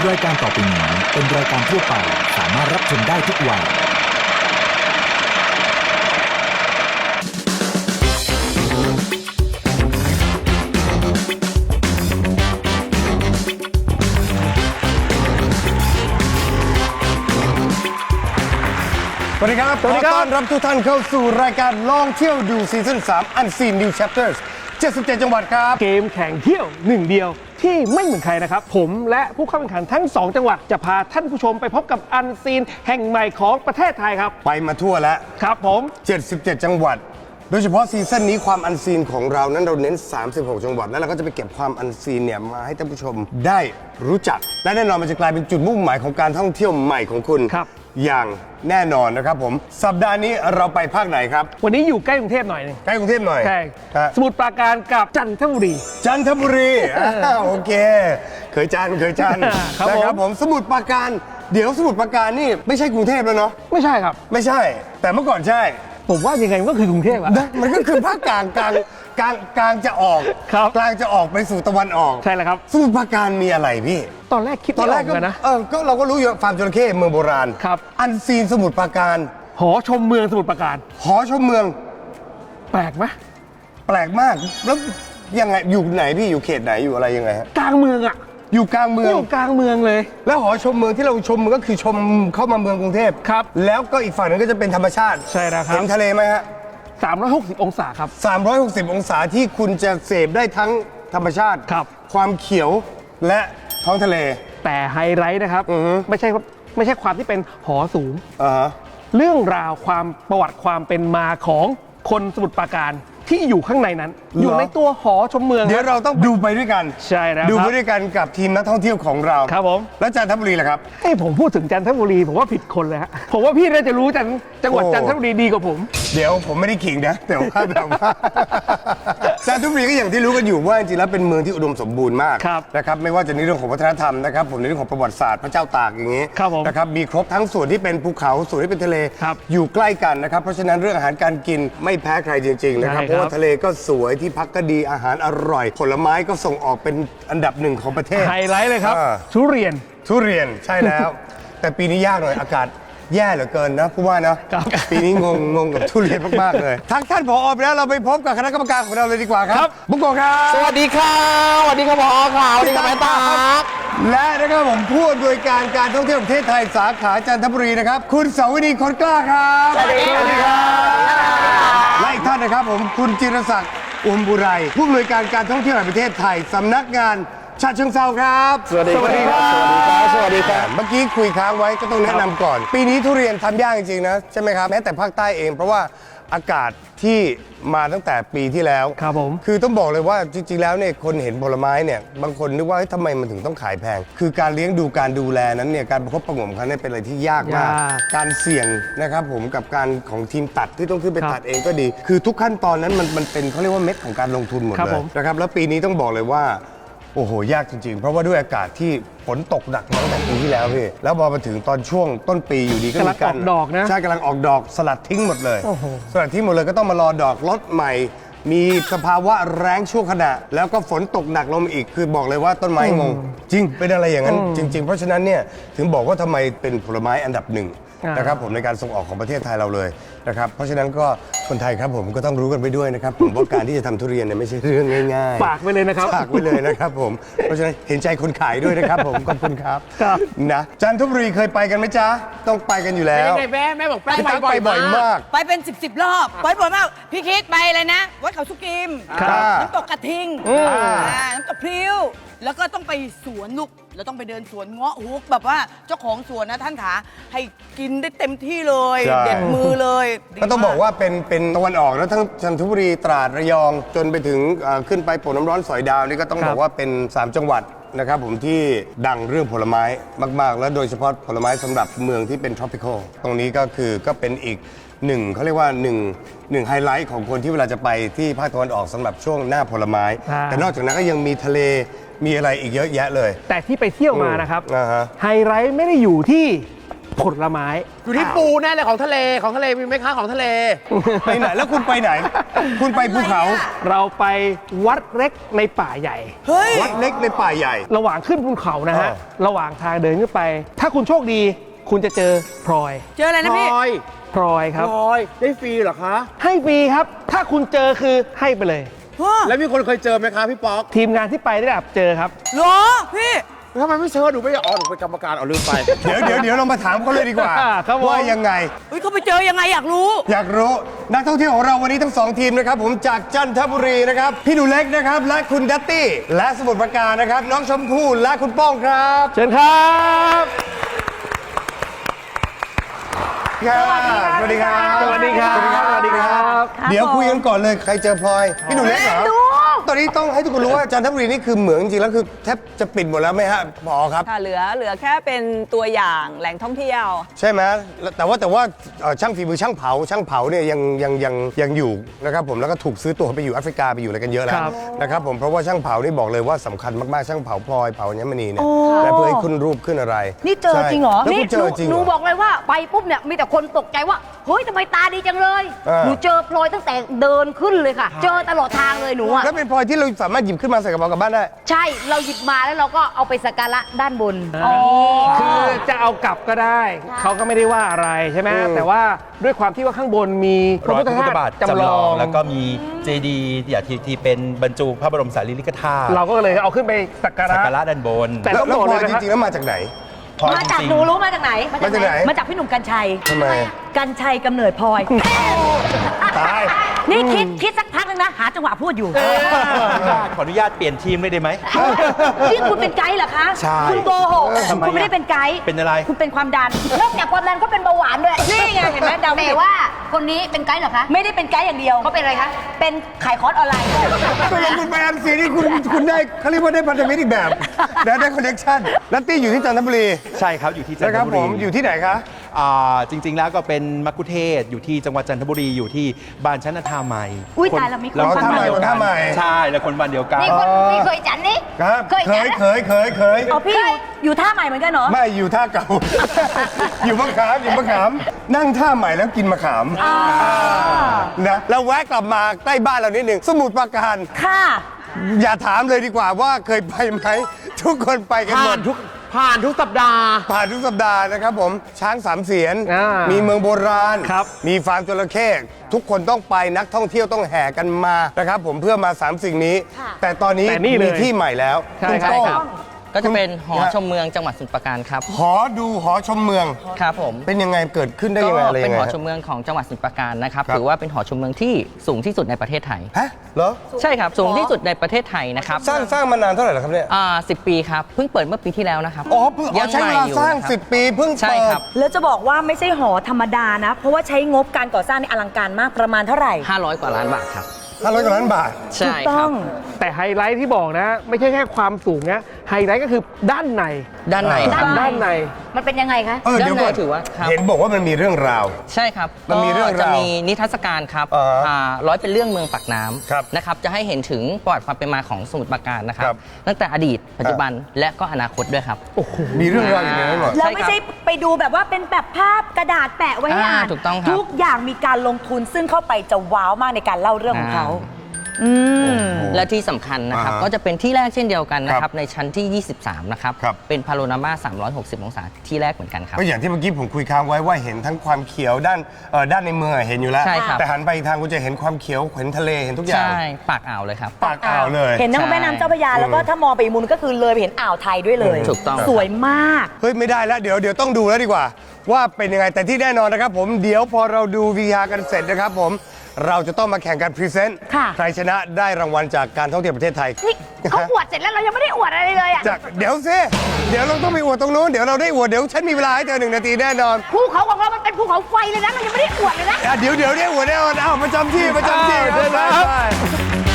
รายการต่อไปนี้เป็นรายการทั่วไปสามารถรับชมได้ทุกวัยสวัสดีครับ ขอต้อนรับทุกท่านเข้าสู่รายการลองเที่ยวดูซีซั่น3 Unseen New Chapters 77 จังหวัดครับเกมแข่งเที่ยวหนึ่งเดียวที่ไม่เหมือนใครนะครับผมและผู้เข้าแข่งขันทั้ง 2 จังหวัดจะพาท่านผู้ชมไปพบกับอันซีนแห่งใหม่ของประเทศไทยครับไปมาทั่วแล้วครับผม 77 จังหวัดโดยเฉพาะซีซั่นนี้ความอันซีนของเรานั้นเราเน้น36 จังหวัดแล้วเราก็จะไปเก็บความอันซีนเนี่ยมาให้ท่านผู้ชมได้รู้จักและแน่นอนมันจะกลายเป็นจุดมุ่งหมายของการท่องเที่ยวใหม่ของคุณอย่างแน่นอนนะครับผมสัปดาห์นี้เราไปภาคไหนครับวันนี้อยู่ใกล้กรุงเทพหน่อยนึงใกล้กรุงเทพหน่อยใช่สมุทรปราการกับจันทบุรีโอเคเคยจันนะครับผมสมุทรปราการเดี๋ยวสมุทรปราการนี่ไม่ใช่กรุงเทพแล้วเนาะไม่ใช่ครับไม่ใช่แต่เมื่อก่อนใช่ผมว่ายังไงมันก็คือกรุงเทพอะมันก็คือภาคกลางจะออกกลางจะออกไปสู่ตะวันออกใช่แล้วครับสมุทรปราการมีอะไรพี่ตอนแรกคิดไม่ออกกันนะก็เราก็รู้อยู่ฟาร์มจระเข้เมืองโบราณครับอันซีนสมุทรปราการหอชมเมืองสมุทรปราการหอชมเมืองแปลกไหมแปลกมากแล้วยังไงอยู่ไหนพี่อยู่เขตไหนอยู่อะไรยังไงฮะกลางเมืองอะอยู่กลางเมืองเลยแล้วหอชมเมืองที่เราชมมันก็คือชมเข้ามาเมืองกรุงเทพครับแล้วก็อีกฝั่งนึงก็จะเป็นธรรมชาติใช่แล้วครับเห็นทะเลไหมฮะ 360 องศาครับ 360 องศาที่คุณจะเสพได้ทั้งธรรมชาติครับความเขียวและท้องทะเลแต่ไฮไลท์นะครับไม่ใช่ความที่เป็นหอสูงเรื่องราวความประวัติความเป็นมาของคนสมุทรปราการที่อยู่ข้างในนั้นอยู่ในตัวหอชมเมืองเดี๋ยวเราต้องดูไปด้วยกันใช่แล้วดูไปด้วยกันกับทีมนักท่องเที่ยวของเราครับผมแล้วจันทบุรีล่ะครับให้ผมพูดถึงจันทบุรีผมว่าผิดคนเลยฮะผมว่าพี่น่าจะรู้จังหวัดจันทบุรีดีกว่าผมเดี๋ยวผมไม่ได้ขิงนะแต่ว่าแบบว่าจันทบุรีก็อย่างที่รู้กันอยู่ว่าจริงๆแล้วเป็นเมืองที่อุดมสมบูรณ์มากนะครับไม่ว่าจะในเรื่องของวัฒนธรรมนะครับผมในเรื่องของประวัติศาสตร์พระเจ้าตากอย่างนี้นะครับมีครบทั้งส่วนที่เป็นภูเขาส่วนที่เป็นทะเลอยู่ใกล้กันนะครับเพราะฉะนั้นเรื่องอาหารการกินไม่แพ้ใครจริงๆนะครับเพราะว่าทะเลก็สวยที่พักก็ดีอาหารอร่อยผลไม้ก็ส่งออกเป็นอันดับหนึ่งของประเทศไฮไลท์เลยครับทุเรียนใช่แล้ว แต่ปีนี้ยากหน่อยอากาศแย่เหลือเกินนะผู้ว่านะปีนี้งงกับทุเรียนมากๆเลยทั้งท่านผอไปแล้วเราไปพบกับคณะกรรมการของเราเลยดีกว่าครับบุกโกครับสวัสดีค่ะสวัสดีครับผอค่ะสวัสดีครับแม่ตาและนะครับผมผู้อำนวยการการท่องเที่ยวประเทศไทยสาขาจันทบุรีนะครับคุณเสาวินีคนกล้าครับสวัสดีครับและอีกท่านนะครับผมคุณจิรศักดิ์อุมบุไรผู้อำนวยการการท่องเที่ยวแห่งประเทศไทยสำนักงานฉะเชิงเทราครับสวัสดีครับสวัสดีครับเมื่อกี้คุยค้างไว้ก็ต้องแนะนำก่อนปีนี้ทุเรียนทำยากจริงๆนะใช่ไหมครับแม้แต่ภาคใต้เองเพราะว่าอากาศที่มาตั้งแต่ปีที่แล้วครับผมคือต้องบอกเลยว่าจริงๆแล้วเนี่ยคนเห็นผลไม้เนี่ยบางคนนึกว่าทำไมมันถึงต้องขายแพงคือการเลี้ยงดูการดูแลนั้นเนี่ยการประคบประหงมเขาเนี่ยเป็นอะไรที่ยากมากการเสี่ยงนะครับผมกับการของทีมตัดที่ต้องขึ้นไปตัดเองก็ดีคือทุกขั้นตอนนั้นมันเป็นเขาเรียกว่าเม็ดของการลงทุนหมดเลยนะครับแล้วปีนี้ต้องบอกเลยว่าโอ้โหยากจริงๆเพราะว่าด้วยอากาศที่ฝนตกหนักตั้งแต่ปีที่แล้วพี่แล้วพอมาถึงตอนช่วงต้นปีอยู่ดีก็มีการออกดอกนะใช่กำลังออกดอกสลัดทิ้งหมดเลยสลัดทิ้งหมดเลยก็ต้องมารอดอกรดใหม่มีสภาวะแรงชั่วขณะแล้วก็ฝนตกหนักลงมาอีกคือบอกเลยว่าต้นไม้งงจริงเป็นอะไรอย่างนั้นจริงๆเพราะฉะนั้นเนี่ยถึงบอกว่าทำไมเป็นผลไม้อันดับหนึ่งนะครับผมในการส่งออกของประเทศไทยเราเลยนะครับเพราะฉะนั้นก็คนไทยครับผมก็ต้องรู้กันไปด้วยนะครับผมว่าการที่จะทำทุเรียนเนี่ยไม่ใช่เรื่องง่ายๆฝากไว้เลยนะครับฝากไว้เลยนะครับผมเพราะฉะนั้นเห็นใจคนขายด้วยนะครับผมขอบคุณครับนะจันทบุรีเคยไปกันไหมจ๊ะต้องไปกันอยู่แล้วแม่บอกไปบ่อยมากไปเป็น10 รอบไปบ่อยมากพี่คิดไปเลยนะวัดเขาสุกิมน้ำตกกระทิงน้ำตกพริ้วแล้วก็ต้องไปสวนลูกเราต้องไปเดินสวนเงาะฮุกแบบว่าเจ้าของสวนนะท่านขาให้กินได้เต็มที่เลยเด็ดมือเลยก็ต้องบอกว่าเป็นตะวันออกแล้วทั้งจันทบุรีตราดระยองจนไปถึงขึ้นไปโป่งน้ำร้อนสอยดาวนี่ก็ต้องบอกว่าเป็น3จังหวัดนะครับผมที่ดังเรื่องผลไม้มากๆและโดยเฉพาะผลไม้สำหรับเมืองที่เป็น tropical ตรงนี้ก็เป็นอีกหนึ่งเขาเรียกว่าหนึ่งไฮไลท์ของคนที่เวลาจะไปที่ภาคตะวันออกสำหรับช่วงหน้าผลไม้แต่นอกจากนั้นก็ยังมีทะเลมีอะไรอีกเยอะแยะเลยแต่ที่ไปเที่ยวมานะครับไฮไลท์ไม่ได้อยู่ที่ผลไม้อยู่ที่ปูแน่เลยของทะเลมีไหมคะของทะเลไปไหนแล้วคุณไปไหน คุณไปภูเขาเราไปวัดเล็กในป่าใหญ่เฮ้ยวัดเล็กในป่าใหญ่ระหว่างขึ้นภูเขานะฮะอ่าระหว่างทางเดินขึ้นไป ถ้าคุณโชคดี คุณจะเจอพลอยเจออะไรนะพี่พลอยครับได้ฟรีเหรอคะให้ฟรีครับ ถ้าคุณเจอคือให้ไปเลยแล้วมีคนเคยเจอไหมคะพี่ป๊อกทีมงานที่ไปได้แบบเจอครับเหรอพี่ทำไมไม่เชิญหนูไม่อ๋อหนูเป็นกรรมการเอาลืมไปเดี๋ยวเรามาถามเขาเลยดีกว่าครับผมว่ายังไงเฮ้ยเขาไปเจอยังไงอยากรู้อยากรู้นักท่องเที่ยวของเราวันนี้ทั้งสองทีมนะครับผมจากจันทบุรีนะครับพี่หนูเล็กนะครับและคุณดัตตี้และสมุทรปราการนะครับน้องชมพู่และคุณป้องครับเชิญครับสวัสดีครับสวัสดีครับสวัสดีครับ เดี๋ยวคุยกันก่อนเลยใครเจอพลอยพี่หนูเล็กเหรอตอนนี้ต้องให้ทุกคนรู้ว่าจันทบุรีนี่คือเหมืองจริงๆแล้วคือแทบจะปิดหมดแล้วไหมฮะหมอครับค่ะเหลือแค่เป็นตัวอย่างแหล่งท่องเที่ยวใช่ไหมแต่ว่าช่างฝีมือช่างเผาเนี่ยยังอยู่นะครับผมแล้วก็ถูกซื้อตัวไปอยู่แอฟริกาไปอยู่อะไรกันเยอะแล้วครับนะครับผมเพราะว่าช่างเผานี่บอกเลยว่าสำคัญมากๆช่างเผาพลอยเผาอัญมณีเนี่ยและเพื่อให้ขึ้นรูปขึ้นอะไรนี่เจอจริงเหรอใช่แล้วคุณเจอจริงหเหรนูอบอกเลยว่าไปปุ๊บเนี่ยมีแต่คนตกใจว่าเฮ้ยทำไมตาดีจังเลยอ่าหนูเจอพลอยตั้งแต่เดินขึ้นเลยค่ะ เจอตลอดทางเลยหนูอ่ะแล้วเป็นพลอยที่เราสามารถหยิบขึ้นมาใส่กระเป๋ากลับบ้านได้ใช่เราหยิบมาแล้วเราก็เอาไปสักการะด้านบนคือจะเอากลับก็ได้ เขาก็ไม่ได้ว่าอะไรใช่ไหมแต่ว่าด้วยความที่ว่าข้างบนมีพรระอยพุทพธระพุทธธาบาทตุจำลองแล้วก็มีเจดีย์ที่เป็นบรรจุพระบรมสารีริกธาตุเราก็เลยเอาขึ้นไปสักการะสักการะด้านบนแต่แล้วต้องบอกพลเลอยยนะจครับริงๆแล้วมาจากไหนพลอยมาจากจริงๆหนูรู้มาจากไหนมาจากไหนมาจากพี่หนุ่มกัญชัยทำไมกัญชัยกำเนิดพลอยตายนี่คิดสักพักนึงนะหาจังหวะพูดอยู่ขออนุญาตเปลี่ยนทีมเลยได้ไหมนี่คุณเป็นไกด์เหรอคะใช่คุณโกหกทำไมคุณไม่ได้เป็นไกด์เป็นอะไรคุณเป็นความดันนอกจากความดันก็เป็นเบาหวานด้วยนี่ไงเห็นไหมดาวแต่ว่าคนนี้เป็นไกด์เหรอคะไม่ได้เป็นไกด์อย่างเดียวเขาเป็นอะไรคะเป็นขายคอร์สออนไลน์ด้วยตกลงคุณไปอันซีนี่คุณได้เขาเรียกว่าได้พันธมิตรอีกแบบได้คอนเนคชั่นนัตตี้อยู่ที่จันทบุรีใช่ครับอยู่ที่จันนะทครับบุผรีมอยู่ที่ไหนคะจริง ๆ แล้วก็เป็นมักคุเทศก์อยู่ที่จังหวัดจันทบุรีอยู่ที่บ้านชั้นท่าใหม่อุ๊ยตายแล้วมีคนอ๋อท่าใหม่เดียวท่าใหม่ใช่แล้วคนบ้านเดียวกันนี่คนนี่เคยจันนี่ครับเคยเคจันยนะเคยอ๋อพี่อยู่ท่าใหม่เหมือนกันเหรอไม่อยู่ท่าเก่า อยู่มะขามนั่งท่าใหม่แล้วกินมะขามนะแล้วแวะกลับมาใกล้บ้านเรานิดหนึ่งสมุทรปราการค่ะอย่าถามเลยดีกว่าว่าเคยไปไหมทุกคนไปกันหมดผ่านทุกสัปดาห์ผ่านทุกสัปดาห์นะครับผมช้างสามเสียนอ่ามีมีเมืองโบราณครับมีฟาร์มจระเข้ทุกคนต้องไปนักท่องเที่ยวต้องแห่กันมานะครับผมเพื่อมาสามสิ่งนี้ แต่ตอนนี้แต่นี่เลยมีที่ใหม่แล้วใช่ณครับโต้งครับก็จะเป็นหอชมเมืองจังหวัดสมุทรปราการครับหอดูหอชมเมืองครับผมเป็นยังไงเกิดขึ้นได้ยังไงอะไรเป็ยันงไงหอฮะชมเมืองของจังหวัดสมุทรปราการนะครับครับถือว่าเป็นหอชมเมืองที่สูงที่สุดในประเทศไทยฮะเหรอใช่ครับสูงที่สุดในประเทศไทยนะครับสร้างมานานเท่าไหร่แล้วครับเนี่ย 10 ปีครับเพิ่งเปิดเมื่อปีที่แล้วนะครับอ๋อเพิ่งใช้เวลาสร้างนะครับ 10 ปีเพิ่งใช่เปิคดรับแล้วจะบอกว่าไม่ใช่หอธรรมดานะ เพราะว่าใช้งบการก่อสร้างในอลังการมากประมาณเท่าไหร่ 500 กว่าล้านบาทครับ 500 กว่าล้านบาทใช่ถูกคต้รัอบ งแต่ไฮไลท์ที่บอกนะ ไม่ใช่แค่ความสูงนะไฮไลท์ก็คือด้านในด้านในครับด้านในมันเป็นยังไงคะเดี๋ยวก่อนด้านในถือว่าครับเห็นบอกว่ามันมีเรื่องราวใช่ครับมันมีเรื่องราวก็จะมีนิทรรศการครับ ร้อยเป็นเรื่องเมืองปากน้ำครับนะครับจะให้เห็นถึงประวัติความเป็นมาของสมุทรปราการนะครับครับตั้งแต่อดีตปัจจุบันและก็อนาคตด้วยครับมีเรื่องราวอยู่ในนั้นหมดแล้วไม่ใช่ไปดูแบบว่าเป็นแบบภาพกระดาษแปะไว้ให้อ่านถูกต้องครับทุกอย่างมีการลงทุนซึ่งเข้าไปจะว้าวมากในการเล่าเรื่องของเขาและที่สำคัญนะครับอ่าฮะก็จะเป็นที่แรกเช่นเดียวกันนะคครัรับบ ในชั้นที่ 23 นะครับครับเป็นพาโรนามา360 องศาที่แรกเหมือนกันครับก็อย่างที่เมื่อกี้ผมคุยค้างไว้ว่าเห็นทั้งความเขียวด้านในเมืองอะเห็นอยู่แล้วใช่ครับแต่หันไปอีกทางคุณจะเห็นความเขียวเห็นทะเลเห็นทุกอย่างใช่ปากอ่าวเลยครับปากอ่าวเลยเห็นทั้งแม่น้ำเจ้าพระยาแล้วก็ถ้ามองไปอีกมุมก็คือเลยไปเห็นอ่าวไทยด้วยเลยถูกต้องสวยมากเฮ้ยไม่ได้แล้วเดี๋ยวต้องดูแล้วดีกว่า ว่าเป็นยังไงแต่ที่แน่นอนนะครับผมเดี๋ยวพอเราดูวิทยากันเสร็จนะครับผมเราจะต้องมาแข่งกันพรีเซนต์ค่ะใครชนะได้รางวัลจากการท่องเที่ยวประเทศไทยนี่เขาอวดเสร็จแล้วเรายังไม่ได้อวดอะไรเลยอ่ะจากเดี๋ยวซิเดี๋ยวเราต้องไปอวดตรงนู้นเดี๋ยวเราได้อวดเดี๋ยวฉันมีเวลาให้เธอ1 นาทีแน่นอนภูเขาของเรามันเป็นภูเขาไฟเลยนะเรายังไม่ได้อวดเลยนะเดี๋ยวได้อวดแน่นอนเอาประจำที่ครับไป